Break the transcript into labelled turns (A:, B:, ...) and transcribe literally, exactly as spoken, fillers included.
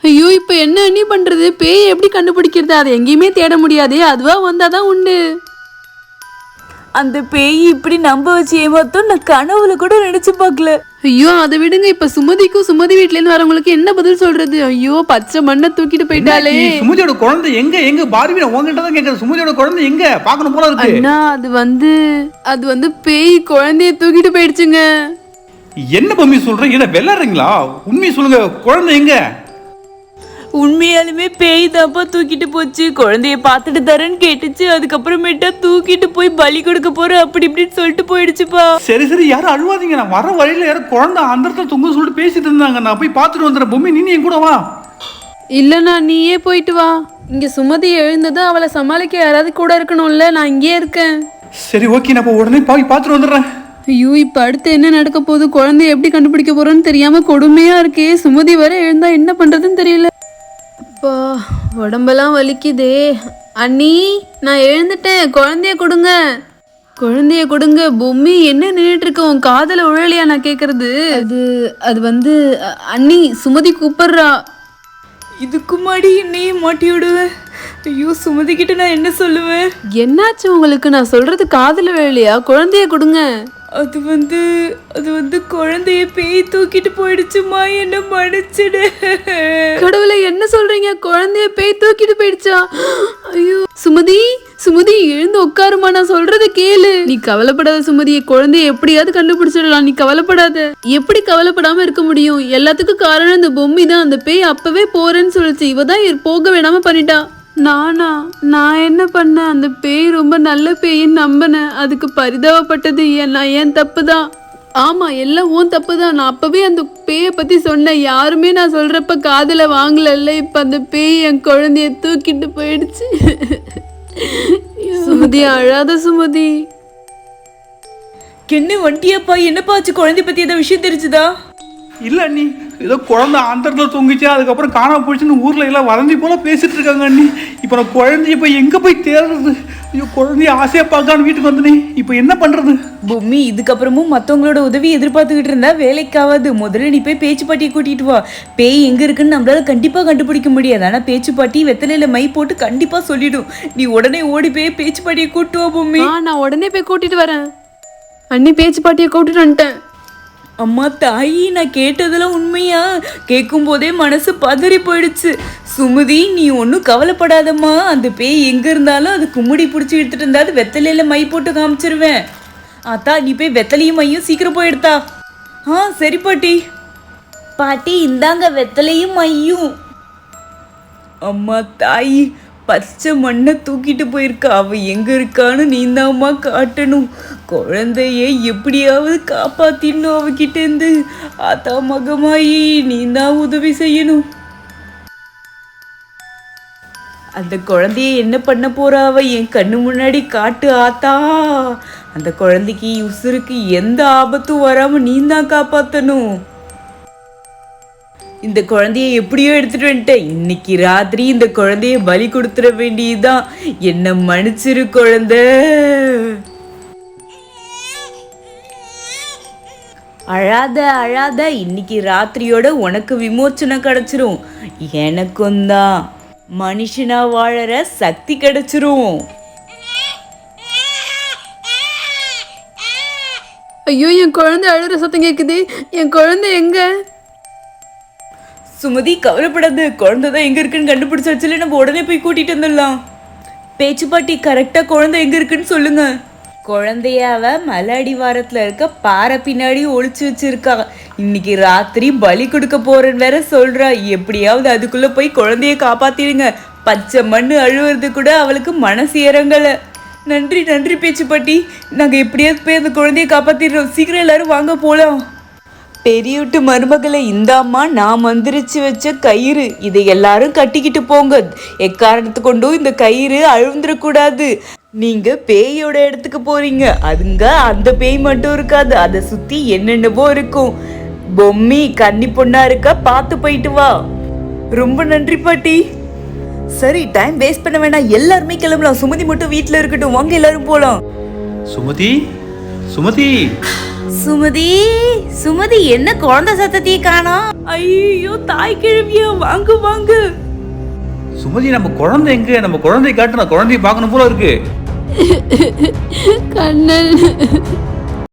A: ஐயோ இப்ப என்ன அண்ணி பண்றது? பேய் எப்படி கண்டுபிடிக்கிறது? அதை எங்கேயுமே தேட முடியாதே, அதுவா வந்தாதான் உண்டு.
B: அந்த பேய் இப்படி நம்ப வச்சு ஏமாத்தோம் நான் கனவுல கூட நினைச்சு பார்க்கல.
A: ஐயோ அதை விடுங்க. இப்ப சுமதிக்கும் சுமதி வீட்ல இருந்து வரவங்களுக்கு என்ன பதில் சொல்றது? ஐயோ பச்சை மண்ணை தூக்கிட்டு போயிட்டாலே.
C: சுமதியோட குழந்தை எங்க? எங்க பார்வி உங்ககிட்ட தான் கேக்குது. சுமதியோட குழந்தை எங்க? பார்க்கணும் போல இருக்கு.
A: அண்ணா அது வந்து அது வந்து பேய் குழந்தைய தூக்கிட்டு போயிடுச்சுங்க.
C: என்ன பொம்மி சொல்றீங்க? இத வெள்ளறீங்களா? உண்மையை சொல்லுங்க, குழந்தை எங்க?
B: உண்மையாலுமே பேய் தாப்பா தூக்கிட்டு போச்சு. குழந்தைய பார்த்துட்டு தரேன்னு கேட்டுச்சு. அதுக்கப்புறமேட்டா தூக்கிட்டு போய் பலி கொடுக்க போற அப்படி இப்படின்னு சொல்லிட்டு போயிடுச்சுப்பா.
C: சரி சரி யாரும் அழுவாதீங்க. நான் வர வழியில யாரும் குழந்தை அந்த இடத்துல தொங்க சொல்லிட்டு பேசிட்டு இருந்தாங்க. நான் போய் பார்த்துட்டு வந்துடுறேன். பொம்மி நீ என் கூட வா.
A: இல்லண்ணா நீயே போயிட்டு வா. இங்க சுமதி எழுந்ததும் அவளை சமாளிக்க யாராவது கூட இருக்கணும்ல. நான் இங்கே இருக்கேன்.
C: சரி ஓகே, நான் உடனே போய் பார்த்துட்டு வந்துடுறேன்.
A: ஐயோ இப்ப அடுத்து என்ன நடக்க போகுது? குழந்தைய எப்படி கண்டுபிடிக்க போறோன்னு தெரியாம கொடுமையா இருக்கே. சுமதி வர எழுந்தா என்ன பண்றதுன்னு தெரியல. அப்பா உடம்பெல்லாம் வலிக்குதே. அண்ணி நான் எழுந்துட்டேன், குழந்தைய கொடுங்க, குழந்தைய கொடுங்க. பொம்மி என்ன நின்றுட்டு இருக்க? உன் காதல உழலையா நான் கேக்குறது? அது அது வந்து அண்ணி சுமதி கூப்பிடுறா.
B: இதுக்கு முன்னாடி என்னையே மாட்டி விடுவேன். ஐயோ சுமதி கிட்ட நான் என்ன சொல்லுவேன்?
A: என்னாச்சு உங்களுக்கு? நான் சொல்றது காதல விழலையா? குழந்தைய கொடுங்க.
B: அது வந்து அது வந்து குழந்தைய பேய் தூக்கிட்டு போயிடுச்சுமா, என்ன மன்னிச்சிடு.
A: கடவுளை என்ன சொல்றீங்க? குழந்தைய பேய் தூக்கிட்டு போயிடுச்சா? ஐயோ சுமதி சுமதி எழுந்து உட்காருமா, நான் சொல்றத கேளு. நீ கவலைப்படாத சுமதி, குழந்தைய எப்படியாவது கண்டுபிடிச்சிடலாம். நீ கவலைப்படாத. எப்படி கவலைப்படாம இருக்க முடியும்? எல்லாத்துக்கும் காரணம் இந்த பொம்மி தான். அந்த பேய் அப்பவே போறேன்னு சொல்லிச்சு. இவ தான் போக வேணாம பண்ணிட்டா. நானா? நான் என்ன பண்ணேன்? அந்த பேய் ரொம்ப நல்ல பேயின்னு நம்பினேன். அதுக்கு பரிதாபப்பட்டது நான் ஏன் தப்பு தான். ஆமா எல்லாம் உன் தப்பு தான். நான் அப்பவே அந்த பேயை பத்தி சொன்னேன். யாருமே நான் சொல்றப்ப காதுல வாங்கலல்ல. இப்ப அந்த பேய் என் குழந்தைய தூக்கிட்டு போயிடுச்சு. சுமதி அழாத சுமதி.
B: என்ன வண்டியாப்பா? என்னப்பா ஆச்சு? குழந்தை பத்தி ஏதாவது விஷயம் தெரிஞ்சுதா?
C: இல்ல அண்ணி, ஏதோ குழந்தை அந்த இடத்துல தொங்கிச்சு, அதுக்கப்புறம் காணாம போயிடுச்சுன்னு ஊர்ல எல்லாம் வதந்தி போல பேசிட்டு இருக்காங்க அண்ணி. இப்போ நான் குழந்தைய போய் எங்க போய் தேடுறது? ஐயோ குழந்தைய ஆசையா பார்க்கான்னு வீட்டுக்கு வந்தனே, இப்போ என்ன பண்றது?
B: பொம்மி இதுக்கப்புறமும் மற்றவங்களோட உதவி எதிர்பார்த்துக்கிட்டு இருந்தா வேலைக்காவது. முதல்ல நீ போய் பேச்சு பாட்டியை கூட்டிட்டு வா. பேய் எங்க இருக்குன்னு நம்மளால கண்டிப்பா கண்டுபிடிக்க முடியாது. ஆனா பேச்சு பாட்டி வெத்தலையில மை போட்டு கண்டிப்பா சொல்லிடும். நீ உடனே ஓடி போய் பேச்சு பாட்டியை கூட்டு வா பொம்மி.
A: நான் உடனே போய் கூட்டிட்டு வரேன். அண்ணி பேச்சு பாட்டியை கூட்டிட்டு வந்துட்டேன்.
B: அம்மா தாயி, நான் கேட்டதெல்லாம் உண்மையா? கேட்கும் போதே மனசு பதறி போயிடுச்சு. சுமதி நீ ஒன்றும் கவலைப்படாதம்மா. அந்த பேய் எங்கே இருந்தாலும் அது கும்முடி பிடிச்சி எடுத்துட்டு இருந்தாலும் வெத்தலையில் மை போட்டு காமிச்சிருவேன். அத்தா நீ போய் வெத்தலையும் மையும் சீக்கிரம் போய் எடுத்தா. ஆ சரி பாட்டி. பாட்டி இந்தாங்க வெத்தலையும் மையும். அம்மா தாயி, பச்சை மண்ணை தூக்கிட்டு போயிருக்கா. அவ எங்க இருக்கான்னு நீந்தாம்மா காட்டணும். குழந்தைய எப்படியாவது காப்பாத்திடணும் அவகிட்ட இருந்து. ஆத்தா மகமாயி நீ தான் உதவி செய்யணும். அந்த குழந்தைய என்ன பண்ண போறா அவ? என் கண்ணு முன்னாடி காட்டு ஆத்தா. அந்த குழந்தைக்கு உசுருக்கு எந்த ஆபத்தும் வராம நீ தான் காப்பாத்தணும். இந்த குழந்தைய எப்படியோ எடுத்துட்டு வந்துட்டேன். இன்னைக்கு ராத்திரி இந்த குழந்தைய பலி கொடுத்துட வேண்டியதுதான். என்ன மன்னிச்சிரு குழந்தை. அழாத அழாத. இன்னைக்கு ராத்திரியோட உனக்கு விமோச்சனம் கிடைச்சிரும். எனக்கும் தான் மனுஷனா வாழற சக்தி கிடைச்சிரும்.
A: ஐயோ என் குழந்தை அழுற சத்தம் கேக்குது. என் குழந்தை எங்க?
B: சுமதி கவலைப்படாது. குழந்தை தான் எங்க இருக்குன்னு கண்டுபிடிச்சு வச்சுல நம்ம உடனே போய் கூட்டிட்டு வந்துடலாம். பேச்சு பாட்டி கரெக்டா குழந்தை எங்க இருக்குன்னு சொல்லுங்க. குழந்தைய அவ மலை அடிவாரத்துல இருக்க பாறை பின்னாடி ஒளிச்சு வச்சிருக்கா. இன்னைக்கு ராத்திரி பலி கொடுக்க போறேன்னு வேற சொல்றா. எப்படியாவது அதுக்குள்ள போய் குழந்தைய காப்பாத்திடுங்க. பச்சை மண்ணு அழுவுறது கூட அவளுக்கு மனசு இறங்கல. நன்றி நன்றி பேச்சு பாட்டி. நாங்க எப்படியாவது போய் அந்த குழந்தைய காப்பாத்திடுறோம். சீக்கிரம் எல்லாரும் வாங்க போலாம். பெரியவிட்டு மருமகளை இந்தாம்மா நான் மந்திரிச்சு வச்ச கயிறு. இதை எல்லாரும் கட்டிக்கிட்டு போங்க. எக்காரணத்து கொண்டும் இந்த கயிறு அழுந்துடக்கூடாது. நீங்க பேயோட இடத்துக்கு போறீங்க. அதுங்க அந்த பேய் மட்டும் இருக்காது, அதை சுத்தி என்னென்னவோ இருக்கும். பொம்மி கன்னி பொண்ணா இருக்க பார்த்து போயிட்டு வா. ரொம்ப நன்றி பாட்டி. சரி டைம் வேஸ்ட் பண்ண வேணாம், எல்லாருமே கிளம்பலாம். சுமதி மட்டும் வீட்டுல இருக்கட்டும். வாங்க எல்லாரும் போலாம்.
C: சுமதி சுமதி
B: சுமதி சுமதி என்ன குழந்தை சத்தத்தையே காணோம்? ஐயோ தாய் கிழவியா, வாங்க வாங்க.
C: சுமதி நம்ம குழந்தை எங்க? நம்ம குழந்தைய காட்டு, நான் குழந்தைய பார்க்கணும் போல இருக்கு.
A: கண்ணன்